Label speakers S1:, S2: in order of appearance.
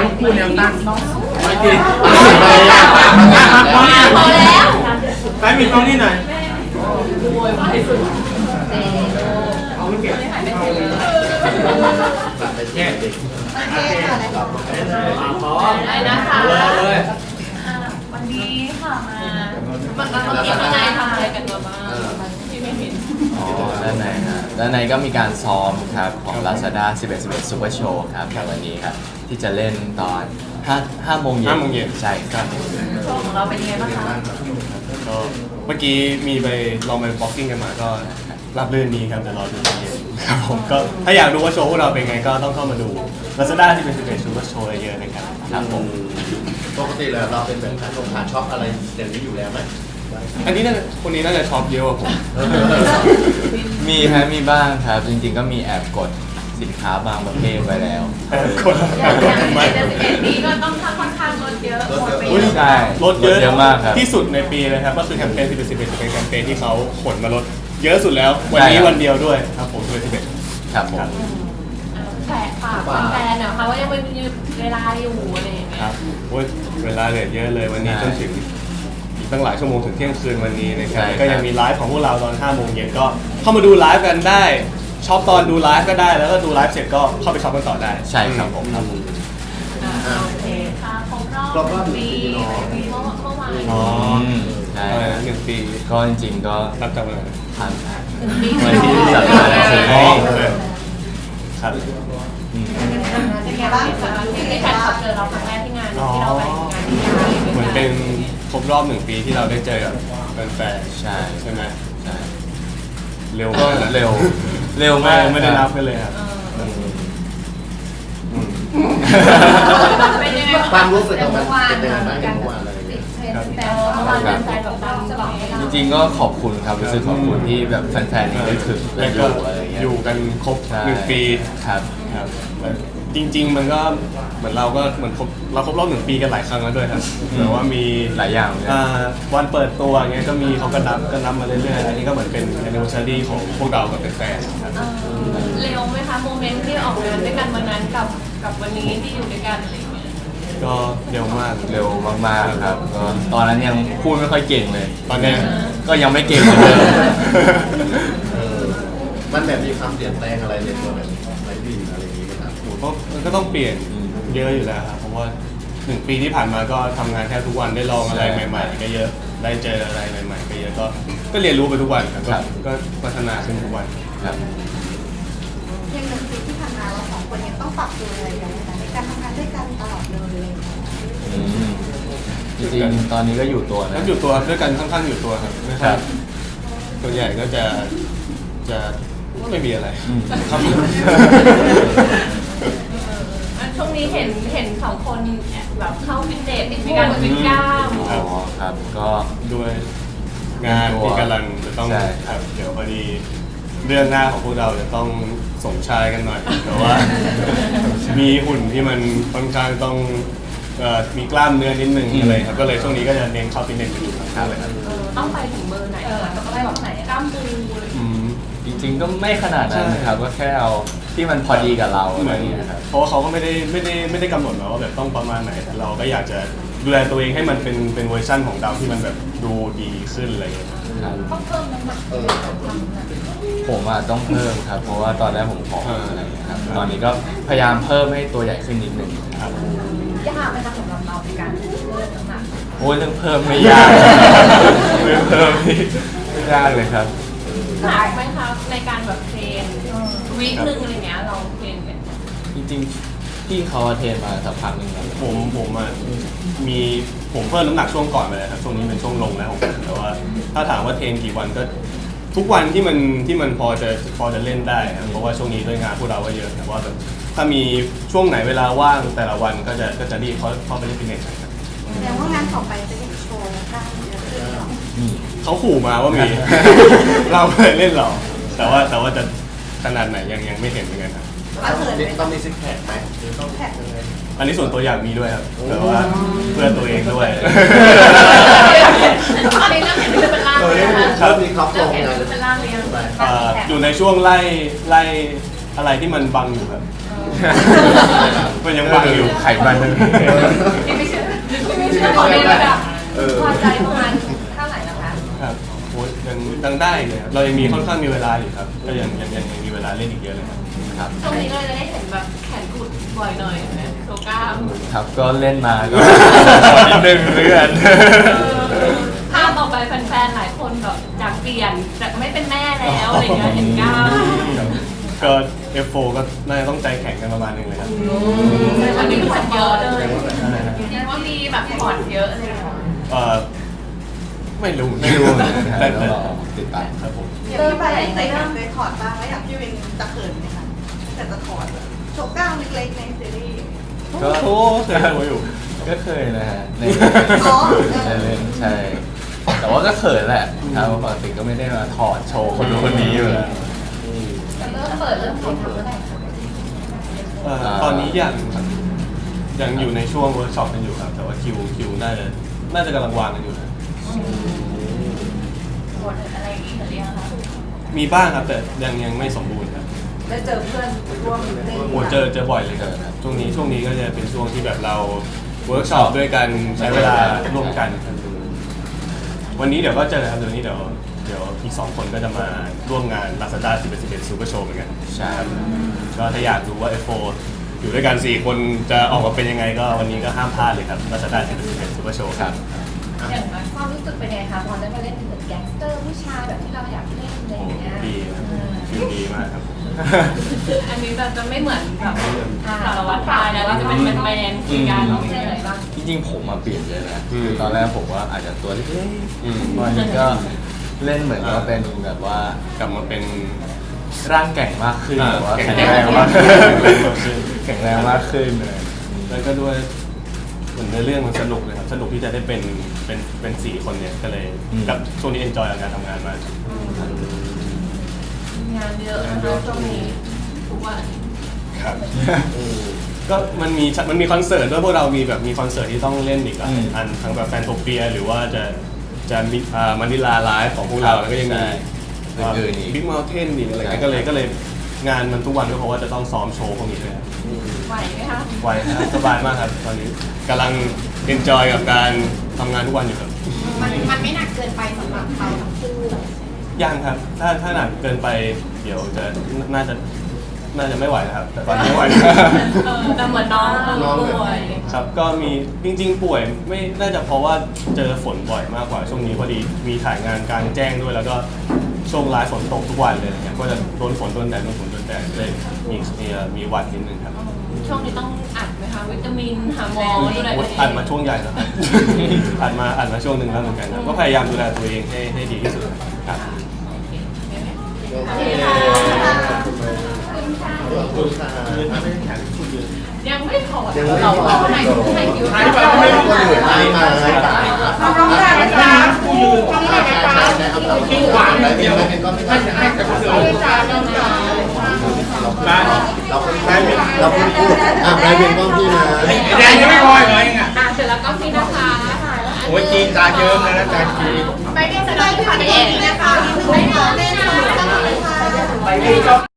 S1: ลูกคู่แนวตั้งไม่ดี
S2: พอแล้ว
S1: ไปมีกล้องนี่หน่อยแย่ดิพร้อม
S2: อะไรนะคะ
S1: เลย
S2: วันนี้ค่ะมันเมื่อกี้ข้างในทำอะไรกันมาบ้างที่ไม่เห็น
S3: อ๋อด้านในฮะด้านในก็มีการซ้อมครับของ Lazada 11 Super Show ครับในวันนี้ครับที่จะเล่นตอน5 โมงเย็นใช่ครับ
S2: โชว์ของเราเป็นยังไงบ้างคะ
S4: ก็เมื่อกี้มีไปลองไปบ็อกซิ่งกันมาก็รับเรื่องนี้ครับแต่รอดูตอนเย็นครับผมก็ถ้าอยากดูว่าโชว์พวกเราเป็นไงก็ต้องเข้ามาดู Lazada ที่เป็น11 Super Show เยอะๆนะครับครับผม
S5: ปกติแล้วเราเป็นแบบขาช็อปอะไรอย่างนี้อยู่แล้วไหม
S4: อันนี้คนนี้น่าจะช็อปเยอะกว่าผม
S3: มีครับมีบ้างครับจริงๆก็มีแอบกดสินค้าบางประเภทไปแล้ว
S4: กด
S2: อย่าง
S4: ทำไม
S2: 11นี้ก็ต้องค่อนข้างลดเยอะหมดไป
S4: อุ๊ย
S2: เยอะ
S3: ใช่
S4: ลดเยอะ
S3: มากครับ
S4: ที่สุดในปีเลยครับก็คือแคมเปญ11จะเป็นแคมเปญที่เขาขนมาลดเยอะสุดแล้ววันนี้วันเดียวด้วยครับผม11
S3: ครับผม
S2: แฝงฝากแฟนๆนะคะว่ายังมีเวลาอยู่อะไรอย่างเงี้
S4: ค
S2: ย
S4: รับโอ้ยเวลาเหลือเยอะเลยวันนี้จนถึงอีกตั้งหลายชั่วโมงถึงเที่ยงคืนวันนี้นะครับก็ยังมีไลฟ์ของพวกเราตอน5 โมงเย็นก็เข้ามาดูไลฟ์กันได้ช็อปตอนดูไลฟ์ก็ได้แล้วก็ดูไลฟ์เสร็จก็เข้าไปช็อปกันต่อได้
S3: ใช่ครับผม
S2: โอเคค่ะครบรอบปีเมื่อวาน
S4: อ๋อ
S3: ใช่
S4: อะไรนะ1 ปี
S3: ก็จริงๆก็
S4: นับจากวันไหน
S3: ผ่าน
S2: ปี
S3: วันที่สัปดาห์นี้
S4: อ๋อครับ
S2: เป็นไงบ้างคะที่แฟนคลับเจอเราครั้งแรกที่งานที่เราไปงานที่งาน
S4: เหมือนเป็นครบรอบ1 ปีที่เราได้เจอกับแฟนๆ
S3: ใช่
S4: ใช่ไหม
S3: ใช่
S4: เร็ว
S3: ก็
S4: มากนะ
S3: เร็วมาก
S4: ไม่ได้นับกันเลยครับ
S2: เป็นยังไง
S5: ความรู้สึกของมัน
S2: เมื่อวาน
S5: เป็นยังไงบ้างเมื่อวานอะไรอย่างเงี้ย
S2: แต่เมื่อวานเป็นแฟนแบบดังบอกให้เรา
S3: จริงๆก็ขอบคุณครับรู้สึกขอบคุณที่แบบแฟนๆยังได้ถึงและ
S4: แล้ว
S3: อ
S4: ก็
S3: ยู่อะไรอย่างเงี้ย
S4: อยู่กันครบ
S3: ใช่
S4: 1 ปี
S3: ครับ
S4: ครับแล้วจริง ๆ มันก็เหมือนเราก็เหมือนเราครบรอบ1 ปีกันหลายครั้งแล้วด้วยครับแต่ว่ามี
S3: หลายอย่างเลย
S4: วันเปิดตัวอย่างเงี้ยก็มีเขาก็นับมาเรื่อยๆอันนี้ก็เหมือนเป็น anniversary ของพวกเรากับแฟนๆครับ
S2: เร็วไหมคะโมเมนต์ที่ออกงานด้วยกันวันนั้นกับวันนี้ที่อยู่ด้วยกันอะไรอย่างเงี้ย
S4: ก็เร็วมาก
S3: เร็วมากๆครับก็ตอนนั้นยังพูดไม่ค่อยเก่งเลย
S4: ตอนเนี้ย
S3: ก็ยังไม่เก่งเหมือนเดิม
S5: มันแบบมีความเปลี่ยนแปลงอะไรในตัวแบบไลฟ์บินอะไรอย่างงี้ไหมครับ
S4: มันก็ต้องเปลี่ยนเยอะอยู่แล้วครับเพราะว่า1 ปีที่ผ่านมาก็ทำงานแทบทุกวันได้ลองอะไรใหม่ๆก็เยอะได้เจออะไรใหม่ๆก็เยอะก็เรียนรู้ไปทุกวันครับก็พัฒนาขึ้นทุกวัน
S3: ครับ
S6: อย่าง1 ปีที่ผ่านมาเรา2 คนยังต้องปรับตัวอะไรอย่างไรในการทำงานด้วยกันตลอดเลย
S3: อืมจริงๆตอนนี้ก็อยู่ตัวนะ
S4: แล้วอยู่ตัวด้วยกันค่อนข้างอยู่ตัวครับไม่ค่อยส่วนใหญ่ก็จะไม่มีอะไร
S3: อืม
S4: ครับ
S2: ช่วงนี้เห็นสองคนแบบเข้าฟิตเนสมีการฟิตกล้าม
S3: อ๋อครับก็
S4: ด้วยงานที่กำลังจะต้อง
S3: ใช่
S4: ครับเดี๋ยวพอดีเรื่องหน้าของพวกเราจะต้องสมชายกันหน่อยแต่ว่า มีหุ่นที่มันค่อนข้างต้องมีกล้ามเนื้อนิดนึงอะไรครับก็เลยช่วงนี้ก็จะเน้นเข้าฟิตเนสอยู่ครับเลยครับ
S2: ต้องไปถึงเบอร์ไหนคะต้องไปแบบไหนกล้ามปูอะไรอย่างเงี้ย
S4: อืม
S3: จริงๆก็ไม่ขนาดนั้นนะครับก็แค่เอาที่มันพอดีกับเรา
S4: เห
S3: อะไร
S4: มือน
S3: อย่างเงี้ยครับ
S4: เพราะว่าเขาก็ไม่ได้กำหนดมาว่าแบบต้องประมาณไหนแต่เราก็อยากจะดูแลตัวเองให้มันเป็นเวอร์ชั่นของเราที่มันแบบดูดีขึ้นอะไรอย่างเงี้ย
S3: ครับ
S6: ต้องเพิ่มน้ำหนัก
S3: ผมอ่ะต้องเพิ่มครับ เพราะว่าตอนแรกผมผอมอะไรอย่างเงี้ยครับตอนนี้ก็พยายามเพิ่มให้ตัวใหญ่ขึ้นนิดนึง
S4: ครับ
S6: ยากไหมคะสำหรับเราในการเพิ่มน้ำหนัก
S3: โอ้ยเรื่องเพิ่มไม่ยาก เรื่องเพิ่มนี่ไม่ยากเลยครับ
S2: หนักไหมคะในการแบบเทรนวีคนึงอะไรเงี้ยเราเทรนกัน
S3: จริงๆพี่เขาเทรนมาสักพักหนึ่งแล้ว
S4: ผมอ่ะผมเพิ่มน้ำหนักช่วงก่อนไปเลยครับช่วงนี้เป็นช่วงลงแล้วของผมแต่ว่าถ้าถามว่าเทรนกี่วันก็ทุกวันที่มันพอจะเล่นได้ครับเพราะว่าช่วงนี้ด้วยงานพวกเราก็เยอะแต่ว่าแบบถ้ามีช่วงไหนเวลาว่างแต่ละวันก็จะรีบเข้าไปเล่นฟิตเนสครับ
S6: แสดงว่างานต่อไปจะเห็นโชว์กล้ามเยอะขึ้นหรอ
S3: อืม
S4: เขาขู่มาว่ามี เราไม่ได้เล่นหรอกแต่ว่าจะขนาดไหนยังไม่เห็นเหมือนกันครับ
S5: ต้องมีซิกแพคไหมหรือต้องแพคยังไง
S4: อันนี้ส่วนตัวอยากมีด้วยครับแต่ว่าเพื่อตัวเองด้วย
S2: ตอนนี้เริ่มเห็นเป็นร่างเลยนะคะ
S4: ครับ
S5: มีครับล
S2: เริ่ม
S5: ง
S2: เห็น
S5: งาน
S2: เป็นร่างเลยง
S4: อยู่ในช่วงไล่อะไรที่มันบังอยู่ครับมันยังบังอยู่
S3: ไขมันเลย
S2: ที่ไม่เชื่อขอเล่นแบบพอใจประมาณเท่าไหร่แล้วคะ
S4: ครับโอ้ยยังได้เลยครับเรายังมีค่อนข้างมีเวลาอยู่ครับก็ยังมีเวลาเล่นอีกเยอะเลยครับ
S3: ครับ
S2: ช่วงนี้ก็เลยจะได้เห็นแบบแขนกุดบ่อยหน่อยนะโชว์กล้าม
S3: ครับก็เล่นมาก็ นิดนึงเรื่อน
S2: ภาพต่อไปแฟนๆหลายคนแบบอยากเปลี่ยนจากไม่เป็นแม่แล้วอะไรเงี้ยเห็นกล้าม
S4: ก็ F4 ก็น่าจะต้องใจแข็งกันประมาณนึงเลยครับ
S2: อันนี้ถอดเยอะเลยเห็นว่ามีแบบถอดเยอะเลย
S4: ไม่รู้
S3: ไม่รู้เหมือนกันครับ
S4: แต่
S3: ต้องรอติดตาม
S4: ครับผม
S6: เริ่มไปใส่กันเลยถอดบ้างแล้วอย่างพี่วินจะเขินไหมคะแต่จะถอดโชว์กล้ามเล็กๆในซีรีส์
S3: ก็
S4: โอ้เคยดูอยู่
S3: ก็เคยนะฮะใน
S6: อ๋อ
S3: เล่นใช่ แต่ว่าก็เขินแหละครับปกติก็ไม่ได้มาถอดโชว์คนนู้นคนนี้อยู่แล้ว
S2: เริ่มเปิดเริ่มถ่ายทำเมื่อไหร่คะ
S4: ตอนนี้ยังอยู่ในช่วงเวิร์กช็อปกันอยู่ครับ แต่ว่าคิวน่าจะกำลังวางกันอยู่นะ
S2: บทอะไรอีกหรือยังคะ
S4: มีบ้างครับแต่ยังไม่สมบูรณ์ครับ
S6: ได้เจอเพื่อนร่วมเล่น
S4: โอ้เจอบ่อยเลยครับช่วงนี้ก็จะเป็นช่วงที่แบบเราเวิร์กช็อปด้วยกันใช้เวลาร่วมกันครับวันนี้เดี๋ยวก็เจอครับเดี๋ยวอีก2 คนก็จะมาร่วมงาน Lazada 11 Super Show เหมือนกัน
S3: ใช่
S4: ก็ถ้าอยากดูว่า F4 อยู่ด้วยกัน4 คนจะออกมาเป็นยังไงก็วันนี้ก็ห้ามพลาดเลยครับ Lazada 11 Super Show ครับ
S2: อย่างความรู้สึกเป็นไงคะพอได้มาเล่นเหมือนแก๊งสเตอร์ผู้ชายแบบที่เราอยากเล่นอะไรอย่างเงี้ย
S4: ดีครับฟิลดีมากครับ
S2: อันนี้จะไม่เหมือนแบบสารวัตรชายนะเราจะเป็นแมนคุยกันเล่นอะไรบ้าง
S3: จริงๆผมมาเปลี่ยนเยอะนะ
S4: อืม
S3: คือตอนแรกผมว่าอาจจะตัวเล็ก
S4: อืม
S3: ๆวันนี้ก็เล่นเหมือนว่าเป็นแบบว่าก
S4: ลับมาเป็น
S3: ร่างแก่งมากขึ้น
S4: อ่า
S3: หรือว่า
S4: แข็
S3: แข็
S4: ง
S3: ง
S4: แร
S3: แรง ง
S4: มาม
S3: าก ก
S4: ขึ้
S3: ขึ้
S4: น
S3: นแข็งแรงมากขึ้นเลย
S4: แล้วก็ด้วยเหมือนในเรื่องมันสนุกเลยครับสนุกที่จะได้เป็น4 คนเนี่ยก็เลยกับช่วงนี้เอนจอยกับการทำงานมาก
S2: งานเยอะนะคะช่วงนี้ทุกวัน
S4: ครับ ก็มันมีคอนเสิร์ตด้วยพวกเรามีคอนเสิร์ตที่ต้องเล่นอีกหลายอันทั้งแบบแฟนโทเปียหรือว่าจะมีมันดิลาไลฟ์ของพวกเราแล้วก็ยังมี
S3: อื่นๆอีก
S4: บิ๊กเมลเทนอีกอะไรเงี้ย
S3: ใช่
S4: ก็เลยงานมันทุกวันก็เพราะว่าจะต้องซ้อมโชว์พวกนี้ด้วยครับ
S2: ไหวไหมคะ
S4: ไวครับสบายมากครับตอนนี้กำลังเอนจอยกับการทำงานทุกวันอยู่ครับ
S6: มันไม่หนักเกินไปสำหรับเราทั้งคู่
S4: ยังครับถ้าหนักเกินไปเดี๋ยวจะน่าจะไม่ไหวนะครับ แต่ตอนนี้ไม่ไหว
S2: แต่เหมือนน้องป่วย
S4: ครับก็มีจริงๆป่วยไม่น่าจะเพราะว่าเจอฝนบ่อยมากกว่าช่วงนี้พอดีมีถ่ายงานกลางแจ้งด้วยแล้วก็ช่วงไลฟ์ฝนตกทุกวันเลยเนี่ยก็จะโดนฝนโดนแดดเลยมีหวัดนิดนึงครับ
S2: ช่วงนี้ต้องอัดไหมคะวิตามินหาหมอดูแลตัวเอง
S4: อัดมาช่วงใหญ่แล้วครับ อัดมาช่วงหนึ่งแล้วเหมือนกันครับก็พยายามดูแลตัวเองให้ดีที่สุดครับ
S5: โอเคขอบคุณค่ะ
S2: ยังไม่ถอด
S5: ยังไม่
S2: เรา
S5: พอ
S2: ไหนไหนคิว
S1: ถ่ายแบบไม่ต้อง
S5: คนอื่นให้มาให้ตาย
S6: น้องๆได้ไหมจ๊ะ
S1: กูยืน
S6: น้องๆได้ไหมจ๊ะ
S1: คิ้วหวาน
S5: ได้
S1: เดี
S5: เดี
S1: ย
S5: ยว
S1: ว
S5: ก็ไม่
S1: ไม่
S5: ได้
S1: ให้แต่คนอื่น
S5: เรา
S1: ได้
S5: เราเพิ่งพูดนายเป็นกล้องพี่นะ
S1: ไอ้แดงยังไม่พออีกเหรอเองอ่ะ
S2: เสร็จแล้วก็พี่นะคะ
S1: โอ้ยจีนตาเยิ้มเลยนะจานจีน
S6: ไปเรียนแสดงที่ผ่านเองนะคะไม่เล่นสนุกสนุกเลยค่ะ
S1: ไปนี่ก็